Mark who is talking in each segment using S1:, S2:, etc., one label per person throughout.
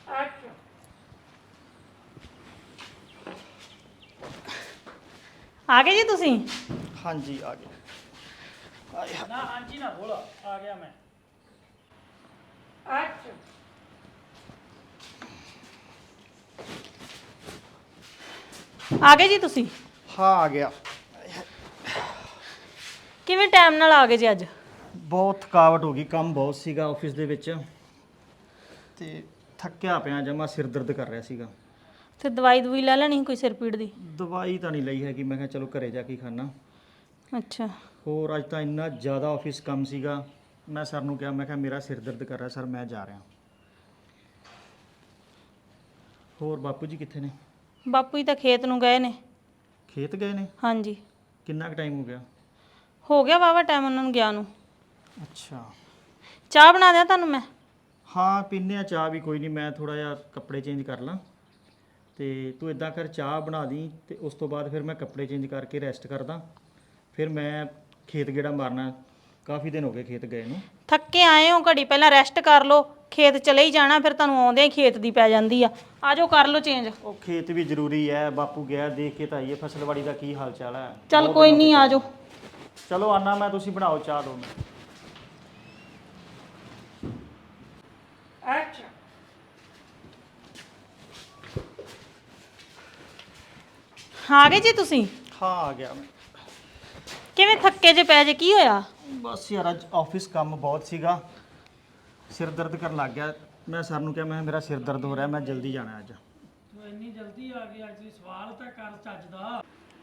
S1: ਆ ਗਏ ਜੀ ਤੁਸੀਂ?
S2: ਹਾਂਜੀ ਆ ਗਏ।
S3: ਨਾ ਹਾਂਜੀ ਨਾ ਬੋਲ ਆ ਗਿਆ ਮੈਂ।
S1: ਆ ਗਏ ਜੀ ਤੁਸੀਂ?
S2: ਹਾਂ ਆ ਗਿਆ।
S1: ਕਿਵੇਂ ਟਾਈਮ ਨਾਲ ਆ ਗਏ ਜੀ ਅੱਜ?
S2: ਬਹੁਤ ਥਕਾਵਟ ਹੋ ਗਈ, ਕੰਮ ਬਹੁਤ ਸੀਗਾ ਆਫਿਸ ਦੇ ਵਿੱਚ ਤੇ ਥੱਕਿਆ ਪਿਆ, ਜਮਾ ਸਿਰ ਦਰਦ ਕਰ ਰਿਹਾ ਸੀਗਾ।
S1: ਤੇ ਦਵਾਈ ਦਵਾਈ ਲੈ ਲੈਣੀ ਕੋਈ ਸਿਰ ਪੀੜ ਦੀ?
S2: ਦਵਾਈ ਤਾਂ ਨਹੀਂ ਲਈ ਹੈਗੀ, ਮੈਂ ਕਿਹਾ ਚਲੋ ਘਰੇ ਜਾ ਕੇ ਖਾਣਾ।
S1: ਅੱਛਾ।
S2: ਹੋਰ ਅੱਜ ਤਾਂ ਇੰਨਾ ਜ਼ਿਆਦਾ ਆਫਿਸ ਕੰਮ ਸੀਗਾ, ਮੈਂ ਸਰ ਨੂੰ ਕਿਹਾ, ਮੈਂ ਕਿਹਾ ਮੇਰਾ ਸਿਰ ਦਰਦ ਕਰ ਰਿਹਾ ਸਰ, ਮੈਂ ਜਾ ਰਿਹਾ। ਹੋਰ ਬਾਪੂ ਜੀ ਕਿੱਥੇ ਨੇ?
S1: ਬਾਪੂ ਜੀ ਤਾਂ ਖੇਤ ਨੂੰ ਗਏ ਨੇ।
S2: ਖੇਤ ਗਏ ਨੇ?
S1: ਹਾਂਜੀ।
S2: ਕਿੰਨਾ ਕੁ ਟਾਈਮ
S1: ਹੋ ਗਿਆ ਵਾਵਾ ਟਾਈਮ ਉਹਨਾਂ ਨੂੰ ਗਿਆ ਨੂੰ।
S2: ਅੱਛਾ।
S1: ਚਾਹ ਬਣਾ ਦਿਆਂ ਤੁਹਾਨੂੰ ਮੈਂ?
S2: ਹਾਂ ਪੀਨੇ ਆ ਚਾਹ ਵੀ, ਕੋਈ ਨਹੀਂ, ਮੈਂ ਥੋੜਾ ਜਿਹਾ ਕੱਪੜੇ ਚੇਂਜ ਕਰ ਲਾਂ ਤੇ ਤੂੰ ਇਦਾਂ ਕਰ, ਚਾਹ ਬਣਾ ਦੀ ਤੇ ਉਸ ਤੋਂ ਬਾਅਦ ਫਿਰ ਮੈਂ ਕੱਪੜੇ ਚੇਂਜ ਕਰਕੇ ਰੈਸਟ ਕਰਦਾ, ਫਿਰ ਮੈਂ ਖੇਤ ਗੇੜਾ ਮਾਰਨਾ, ਕਾਫੀ ਦਿਨ ਹੋ ਗਏ ਖੇਤ ਗਏ ਨੂੰ।
S1: ਥੱਕੇ ਆਏ ਹੋ, ਘੜੀ ਪਹਿਲਾਂ ਰੈਸਟ ਕਰ ਲਓ, ਖੇਤ ਚਲੇ ਹੀ ਜਾਣਾ, ਫਿਰ ਤੁਹਾਨੂੰ ਆਉਂਦਿਆਂ ਹੀ ਖੇਤ ਦੀ ਪੈ ਜਾਂਦੀ ਆ। ਆ ਜਾਓ ਕਰ ਲਓ ਚੇਂਜ।
S2: ਉਹ ਖੇਤ ਵੀ ਜ਼ਰੂਰੀ ਹੈ, ਬਾਪੂ ਗਿਆ ਦੇਖ ਕੇ ਤਾਂ ਆਈਏ ਫਸਲਵਾੜੀ ਦਾ ਕੀ ਹਾਲ ਚਾਲ ਹੈ।
S1: ਚੱਲ ਕੋਈ ਨਹੀਂ, ਆ ਜਾਓ।
S2: ਚਲੋ ਆਨਾ ਮੈਂ, ਤੁਸੀਂ ਬਣਾਓ ਚਾਹ ਦੋ।
S1: ਆ ਗਏ ਜੀ ਤੁਸੀਂ?
S2: ਹਾਂ ਆ ਗਿਆ ਮੈਂ।
S1: ਕਿਵੇਂ ਥੱਕੇ ਜੇ ਪੈ ਜੇ, ਕੀ ਹੋਇਆ?
S2: ਬਸ ਯਾਰ ਅੱਜ ਆਫਿਸ ਕੰਮ ਬਹੁਤ ਸੀਗਾ, ਸਿਰ ਦਰਦ ਕਰਨ ਲੱਗ ਗਿਆ। ਮੈਂ ਸਰ ਨੂੰ ਕਿਹਾ, ਮੈਂ ਮੇਰਾ ਸਿਰ ਦਰਦ ਹੋ ਰਿਹਾ, ਮੈਂ ਜਲਦੀ ਜਾਣਾ ਅੱਜ।
S3: ਤੂੰ ਇੰਨੀ ਜਲਦੀ ਆ ਗਿਆ ਜੀ, ਸਵਾਲ ਤਾਂ ਕਰ ਚੱਜ ਦਾ।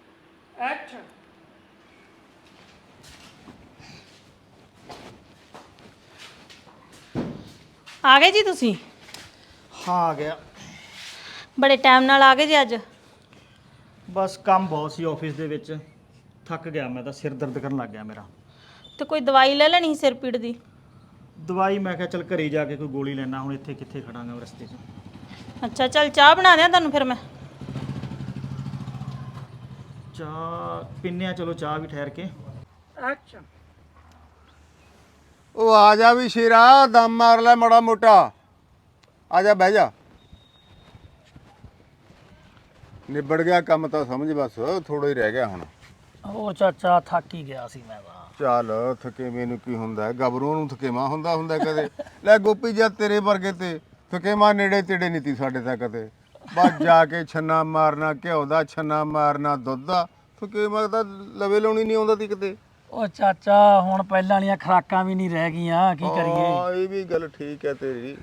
S1: ਆ ਗਏ ਜੀ ਤੁਸੀਂ?
S2: ਹਾਂ ਆ ਗਿਆ।
S1: ਬੜੇ ਟਾਈਮ ਨਾਲ ਆ ਗਏ ਜੀ ਅੱਜ।
S2: ਬਸ ਕੰਮ ਬਹੁਤ ਸੀ ਆਫਿਸ ਦੇ ਵਿੱਚ, ਥੱਕ ਗਿਆ ਮੈਂ ਤਾਂ, ਸਿਰ ਦਰਦ ਕਰਨ ਲੱਗ ਗਿਆ ਮੇਰਾ।
S1: ਤੇ ਕੋਈ ਦਵਾਈ ਲੈ ਲੈਣੀ ਸੀ ਸਿਰ ਪੀੜ ਦੀ?
S2: ਦਵਾਈ ਮੈਂ ਕਿਹਾ ਚੱਲ ਘਰੇ ਜਾ ਕੇ ਕੋਈ ਗੋਲੀ ਲੈਣਾ, ਹੁਣ ਇੱਥੇ ਕਿੱਥੇ ਖੜਾਂਗਾ ਰਸਤੇ 'ਚ।
S1: ਅੱਛਾ ਚੱਲ ਚਾਹ ਬਣਾ ਦਿਆਂ ਤੁਹਾਨੂੰ ਫਿਰ ਮੈਂ।
S2: ਚਾਹ ਪੀਨੇ ਆ, ਚਲੋ ਚਾਹ ਵੀ ਠਹਿਰ ਕੇ।
S4: ਉਹ ਆ ਜਾ ਵੀ ਸ਼ੇਰਾ, ਦਮ ਮਾਰ ਲੈ ਮਾੜਾ ਮੋਟਾ, ਆ ਜਾ ਬਹਿ ਜਾ। ਨਿਬੜ ਗਿਆ ਕੰਮ ਤਾਂ ਸਮਝ, ਬਸ ਥੋੜਾ ਹੀ ਰਹਿ ਗਿਆ ਹੁਣ।
S3: ਹੋਰ ਚਾਚਾ ਥੱਕ ਹੀ ਗਿਆ ਸੀ ਮੈਂ ਤਾਂ।
S4: ਚੱਲ ਥਕੇਵੇਂ ਨੂੰ ਕੀ ਹੁੰਦਾ, ਗੱਭਰੂ ਨੂੰ ਥਕੇਵਾ ਹੁੰਦਾ ਕਦੇ। ਲੈ ਗੋਪੀ ਜੀ ਤੇਰੇ ਵਰਗੇ ਤੇ ਥਕੇਵਾ ਨੇੜੇ ਤੇੜੇ ਨਹੀਂ ਤੀ ਸਾਡੇ ਤਾਂ ਕਦੇ। ਬਸ ਜਾ ਕੇ ਛੰਨਾ ਮਾਰਨਾ, ਘਿਓ ਦਾ ਛੰਨਾ ਮਾਰਨਾ, ਦੁੱਧ ਦਾ, ਥਕੇਵਾ ਤਾਂ ਲਵੇ ਲਾਉਣੀ ਨਹੀਂ ਆਉਂਦਾ ਤੀ ਕਿਤੇ।
S3: ਉਹ ਚਾਚਾ ਹੁਣ ਪਹਿਲਾਂ ਵਾਲੀਆਂ ਖੁਰਾਕਾਂ ਵੀ ਨਹੀਂ ਰਹਿ ਗਈਆਂ, ਕੀ ਕਰੀਏ।
S4: ਹਾਂ ਇਹ ਵੀ ਗੱਲ ਠੀਕ ਹੈ ਤੇਰੀ।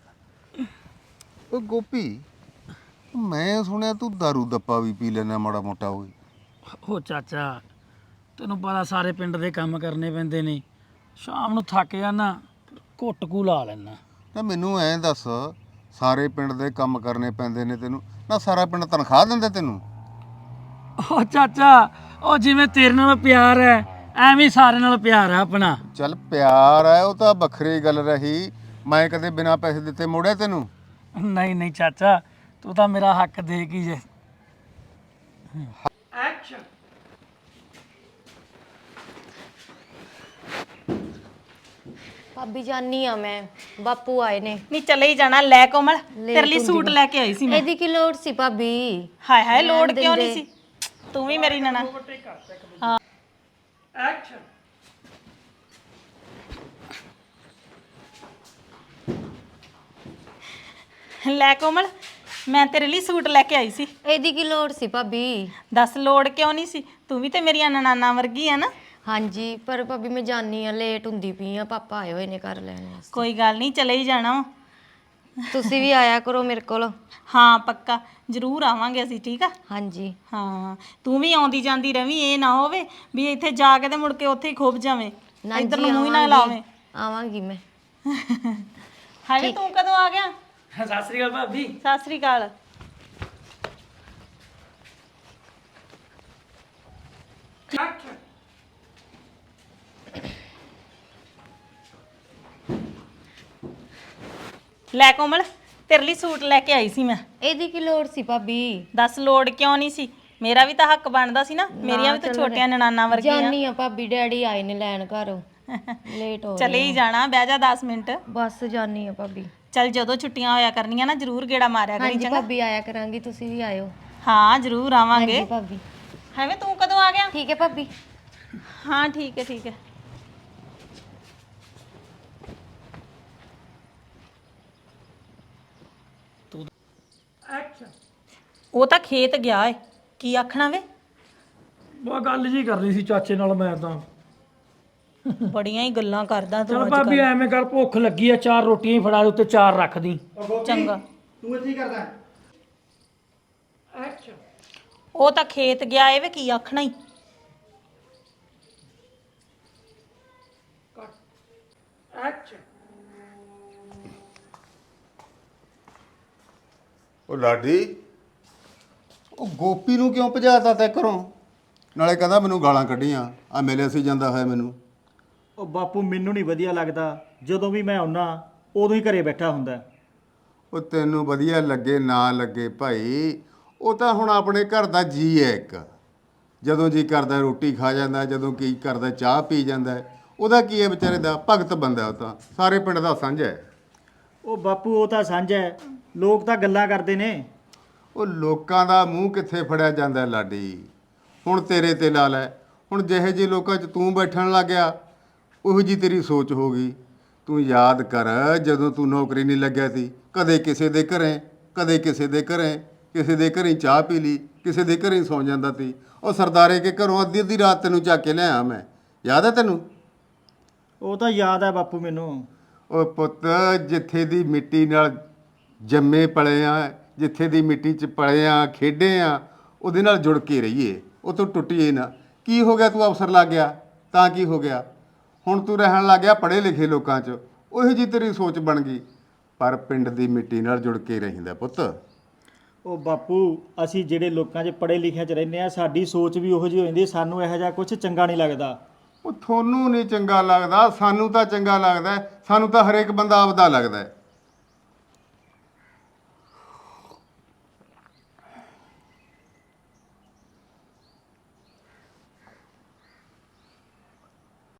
S4: ਉਹ ਗੋਪੀ, ਮੈਂ ਸੁਣਿਆ ਤੂੰ ਦਾਰੂ ਦੱਪਾ ਵੀ ਪੀ ਲੈਣਾ ਮਾੜਾ ਮੋਟਾ ਹੋਈ।
S3: ਉਹ ਚਾਚਾ ਤੈਨੂੰ ਪਤਾ ਸਾਰੇ ਪਿੰਡ ਦੇ ਕੰਮ ਕਰਨੇ ਪੈਂਦੇ ਨੇ, ਸ਼ਾਮ ਨੂੰ ਥੱਕ ਜਾਣਾ, ਘੁੱਟ ਕੂ ਲਾ ਲੈਣਾ।
S4: ਨਾ ਮੈਨੂੰ ਐਂ ਦੱਸ, ਸਾਰੇ ਪਿੰਡ ਦੇ ਕੰਮ ਕਰਨੇ ਪੈਂਦੇ ਨੇ ਤੈਨੂੰ, ਨਾ ਸਾਰਾ ਪਿੰਡ ਤਨਖਾਹ ਦਿੰਦਾ ਤੈਨੂੰ?
S3: ਉਹ ਚਾਚਾ ਉਹ ਜਿਵੇਂ ਤੇਰੇ ਨਾਲ ਪਿਆਰ ਹੈ, ਐਵੇਂ ਸਾਰਿਆਂ ਨਾਲ ਪਿਆਰ ਹੈ ਆਪਣਾ।
S4: ਚੱਲ ਪਿਆਰ ਹੈ ਉਹ ਤਾਂ ਵੱਖਰੀ ਗੱਲ ਰਹੀ, ਮੈਂ ਕਦੇ ਬਿਨਾਂ ਪੈਸੇ ਦਿੱਤੇ ਮੋੜਿਆ ਤੈਨੂੰ?
S3: ਨਹੀਂ ਨਹੀਂ ਚਾਚਾ, ਤੂੰ ਤਾਂ ਮੇਰਾ ਹੱਕ ਦੇ ਕੀ ਜੇ।
S5: ਭਾਬੀ ਜਾਨੀ ਆ ਮੈਂ, ਬਾਪੂ ਆਏ ਨੇ।
S1: ਨਹੀਂ ਚਲੇ ਹੀ ਜਾਣਾ। ਲੈ ਕੋਮਲ, ਤੇਰੇ ਲਈ ਸੂਟ ਲੈ ਕੇ ਆਈ ਸੀ ਮੈਂ।
S5: ਇਹਦੀ ਕੀ ਲੋੜ ਸੀ ਭਾਬੀ?
S1: ਹਾਏ ਹਾਏ, ਲੋੜ ਕਿਉਂ ਨਹੀਂ ਸੀ? ਤੂੰ ਵੀ ਮੇਰੀ ਨਣਾ। ਹਾਂ ਲੈ ਕੋਮਲ, ਮੈਂ ਤੇਰੇ ਲਈ ਸੂਟ ਲੈ ਕੇ ਆਈ ਸੀ।
S5: ਇਹਦੀ ਕੀ ਲੋੜ ਸੀ ਭਾਬੀ?
S1: ਦੱਸ ਲੋੜ ਕਿਉਂ ਨਹੀਂ ਸੀ? ਤੂੰ ਵੀ ਤੇ ਮੇਰੀਆਂ ਨਨਾਨਾ ਵਰਗੀ ਆ ਨਾ।
S5: ਹਾਂਜੀ ਪਰ ਭਾਬੀ ਮੈਂ ਜਾਨੀ ਆ, ਲੇਟ ਹੁੰਦੀ ਪਈ ਆ, ਪਾਪਾ ਆਏ ਹੋਏ ਨੇ ਘਰ ਲੈਣ ਵਾਸਤੇ।
S1: ਕੋਈ ਗੱਲ ਨਹੀਂ, ਚਲੇ ਹੀ ਜਾਣਾ ਵਾ।
S5: ਤੁਸੀਂ ਵੀ ਆਇਆ ਕਰੋ ਮੇਰੇ ਕੋਲ।
S1: ਹਾਂ ਪੱਕਾ, ਜ਼ਰੂਰ ਆਵਾਂਗੇ ਅਸੀਂ, ਠੀਕ ਆ?
S5: ਹਾਂਜੀ
S1: ਹਾਂ ਤੂੰ ਵੀ ਆਉਂਦੀ ਜਾਂਦੀ ਰਵੀਂ, ਇਹ ਨਾ ਹੋਵੇ ਵੀ ਇੱਥੇ ਜਾ ਕੇ ਤੇ ਮੁੜ ਕੇ ਉੱਥੇ ਹੀ ਖੁੱਭ ਜਾਵੇਂ, ਇੱਧਰ ਨੂੰ ਮੂੰਹ ਹੀ ਨਾ ਲਾਵੇਂ।
S5: ਆਵਾਂਗੀ ਮੈਂ।
S1: ਹਾਏ ਤੂੰ ਕਦੋਂ ਆ ਗਿਆ?
S3: ਸਤਿ ਸ੍ਰੀ ਅਕਾਲ ਭਾਬੀ।
S1: ਸਤਿ ਸ੍ਰੀ ਅਕਾਲ। ਲੈ ਕੋਮਲ, ਤੇਰੇ ਲਈ ਸੂਟ ਲੈ ਕੇ ਆਈ ਸੀ ਮੈਂ।
S5: ਇਹਦੀ ਕੀ ਲੋੜ ਸੀ ਭਾਬੀ?
S1: ਦੱਸ ਲੋੜ ਕਿਉਂ ਨਹੀਂ ਸੀ? ਮੇਰਾ ਵੀ ਤਾਂ ਹੱਕ ਬਣਦਾ ਸੀ ਨਾ, ਮੇਰੀਆਂ ਵੀ ਤਾਂ ਛੋਟੀਆਂ ਨਨਾਨਾ ਵਰਗੀਆਂ।
S5: ਜਾਨੀ ਆ ਭਾਬੀ, ਡੈਡੀ ਆਏ ਨੇ ਲੈਣ ਘਰੋਂ, ਲੇਟ ਹੋ
S1: ਚਲੇ ਹੀ ਜਾਣਾ, ਬਹਿ ਜਾ 10 ਮਿੰਟ।
S5: ਬਸ ਜਾਨੀ ਆ ਭਾਬੀ।
S1: ਚੱਲ ਜਦੋਂ ਛੁੱਟੀਆਂ ਹੋਇਆ ਕਰਨੀਆਂ ਨਾ ਜ਼ਰੂਰ ਗੇੜਾ ਮਾਰਿਆ ਕਰੀ
S5: ਹਾਂਜੀ
S1: ਚੰਗਾ।
S5: ਭਾਬੀ ਆਇਆ ਕਰਾਂਗੀ, ਤੁਸੀਂ ਵੀ ਆਇਓ।
S1: ਹਾਂ ਜ਼ਰੂਰ ਆਵਾਂਗੇ।
S5: ਹਾਂਜੀ ਭਾਬੀ।
S1: ਹੈਵੇਂ ਤੂੰ ਕਦੋਂ ਆ ਗਿਆ?
S5: ਠੀਕ ਹੈ ਭਾਬੀ।
S1: ਹਾਂ ਠੀਕ ਹੈ ਠੀਕ ਹੈ। ਉਹ ਤਾਂ ਖੇਤ ਗਿਆ ਏ, ਕੀ ਆਖਣਾ ਵੇ?
S3: ਉਹ ਗੱਲ ਜੀ ਕਰਨੀ ਸੀ ਚਾਚੇ ਨਾਲ ਮੈਂ ਤਾਂ।
S1: ਬੜੀਆਂ ਹੀ ਗੱਲਾਂ ਕਰਦਾ ਤੂੰ
S3: ਚਲ
S1: ਅੱਜ
S3: ਭਾਬੀ ਐਵੇਂ ਕਰ, ਭੁੱਖ ਲੱਗੀ ਆ, 4 ਰੋਟੀਆਂ ਹੀ ਫੜਾ ਦੇ, ਉੱਤੇ 4 ਰੱਖ ਦੀ।
S1: ਚੰਗਾ।
S2: ਤੂੰ ਇੱਥੇ ਹੀ ਕਰਦਾ?
S1: ਉਹ ਤਾਂ ਖੇਤ ਗਿਆ ਏ ਵੇ, ਕੀ ਆਖਣਾ ਹੀ?
S4: ਉਹ ਲਾਡੀ, ਉਹ ਗੋਪੀ ਨੂੰ ਕਿਉਂ ਭਜਾਤਾ ਤੈ ਘਰੋਂ? ਨਾਲੇ ਕਹਿੰਦਾ ਮੈਨੂੰ ਗਾਲਾਂ ਕੱਢੀਆਂ, ਆ ਮਿਲਿਆ ਸੀ ਜਾਂਦਾ ਹੋਇਆ ਮੈਨੂੰ।
S2: ਉਹ ਬਾਪੂ ਮੈਨੂੰ ਨਹੀਂ ਵਧੀਆ ਲੱਗਦਾ, ਜਦੋਂ ਵੀ ਮੈਂ ਆਉਣਾ ਉਦੋਂ ਹੀ ਘਰੇ ਬੈਠਾ ਹੁੰਦਾ।
S4: ਉਹ ਤੈਨੂੰ ਵਧੀਆ ਲੱਗੇ ਨਾ ਲੱਗੇ ਭਾਈ, ਉਹ ਤਾਂ ਹੁਣ ਆਪਣੇ ਘਰ ਦਾ ਜੀ ਹੈ ਇੱਕ। ਜਦੋਂ ਜੀ ਕਰਦਾ ਰੋਟੀ ਖਾ ਜਾਂਦਾ, ਜਦੋਂ ਕੀ ਕਰਦਾ ਚਾਹ ਪੀ ਜਾਂਦਾ। ਉਹਦਾ ਕੀ ਹੈ ਵਿਚਾਰੇ ਦਾ? ਭਗਤ ਬੰਦਾ ਉਹ ਤਾਂ, ਸਾਰੇ ਪਿੰਡ ਦਾ ਸਾਂਝਾ ਹੈ।
S2: ਉਹ ਬਾਪੂ ਉਹ ਤਾਂ ਸਾਂਝਾ ਹੈ, ਲੋਕ ਤਾਂ ਗੱਲਾਂ ਕਰਦੇ ਨੇ।
S4: ਉਹ ਲੋਕਾਂ ਦਾ ਮੂੰਹ ਕਿੱਥੇ ਫੜਿਆ ਜਾਂਦਾ ਲਾਡੀ? ਹੁਣ ਤੇਰੇ ਤੇ ਲਾ ਲੈ, ਹੁਣ ਜਿਹੇ ਜਿਹੇ ਲੋਕਾਂ 'ਚ ਤੂੰ ਬੈਠਣ ਲੱਗ ਗਿਆ, ਉਹੋ ਜੀ ਤੇਰੀ ਸੋਚ ਹੋ ਗਈ। ਤੂੰ ਯਾਦ ਕਰ, ਜਦੋਂ ਤੂੰ ਨੌਕਰੀ ਨਹੀਂ ਲੱਗਿਆ ਸੀ, ਕਦੇ ਕਿਸੇ ਦੇ ਘਰੇ, ਕਦੇ ਕਿਸੇ ਦੇ ਘਰੇ, ਕਿਸੇ ਦੇ ਘਰੇ ਚਾਹ ਪੀ ਲਈ, ਕਿਸੇ ਦੇ ਘਰੇ ਸੌਂ ਜਾਂਦਾ ਸੀ। ਉਹ ਸਰਦਾਰੇ ਕੇ ਘਰੋਂ ਅੱਧੀ ਅੱਧੀ ਰਾਤ ਤੈਨੂੰ ਚੱਕ ਕੇ ਲਿਆਇਆ ਮੈਂ, ਯਾਦ ਹੈ ਤੈਨੂੰ?
S2: ਉਹ ਤਾਂ ਯਾਦ ਹੈ ਬਾਪੂ ਮੈਨੂੰ।
S4: ਉਹ ਪੁੱਤ, ਜਿੱਥੇ ਦੀ ਮਿੱਟੀ ਨਾਲ ਜੰਮੇ ਪਲੇ ਆ, ਜਿੱਥੇ ਦੀ ਮਿੱਟੀ 'ਚ ਪਲੇ ਆ, ਖੇਡੇ ਆ, ਉਹਦੇ ਨਾਲ ਜੁੜ ਕੇ ਰਹੀਏ, ਉਹ ਤੋਂ ਟੁੱਟੀਏ ਨਾ। ਕੀ ਹੋ ਗਿਆ? ਤੂੰ ਅਫਸਰ ਲੱਗ ਗਿਆ ਤਾਂ ਕੀ ਹੋ ਗਿਆ? ਹੁਣ ਤੂੰ ਰਹਿਣ ਲੱਗ ਗਿਆ ਪੜ੍ਹੇ ਲਿਖੇ ਲੋਕਾਂ 'ਚ, ਉਹੀ ਜੀ ਤੇਰੀ ਸੋਚ ਬਣ ਗਈ। ਪਰ ਪਿੰਡ ਦੀ ਮਿੱਟੀ ਨਾਲ ਜੁੜ ਕੇ ਰਹਿੰਦਾ ਪੁੱਤ।
S2: ਉਹ ਬਾਪੂ, ਅਸੀਂ ਜਿਹੜੇ ਲੋਕਾਂ 'ਚ ਪੜ੍ਹੇ ਲਿਖਿਆਂ 'ਚ ਰਹਿੰਦੇ ਆ, ਸਾਡੀ ਸੋਚ ਵੀ ਉਹੋ ਜਿਹੀ ਹੋ ਜਾਂਦੀ। ਸਾਨੂੰ ਇਹੋ ਜਿਹਾ ਕੁਝ ਚੰਗਾ ਨਹੀਂ ਲੱਗਦਾ।
S4: ਉਹ ਤੁਹਾਨੂੰ ਨਹੀਂ ਚੰਗਾ ਲੱਗਦਾ, ਸਾਨੂੰ ਤਾਂ ਚੰਗਾ ਲੱਗਦਾ। ਸਾਨੂੰ ਤਾਂ ਹਰੇਕ ਬੰਦਾ ਆਪਦਾ ਲੱਗਦਾ।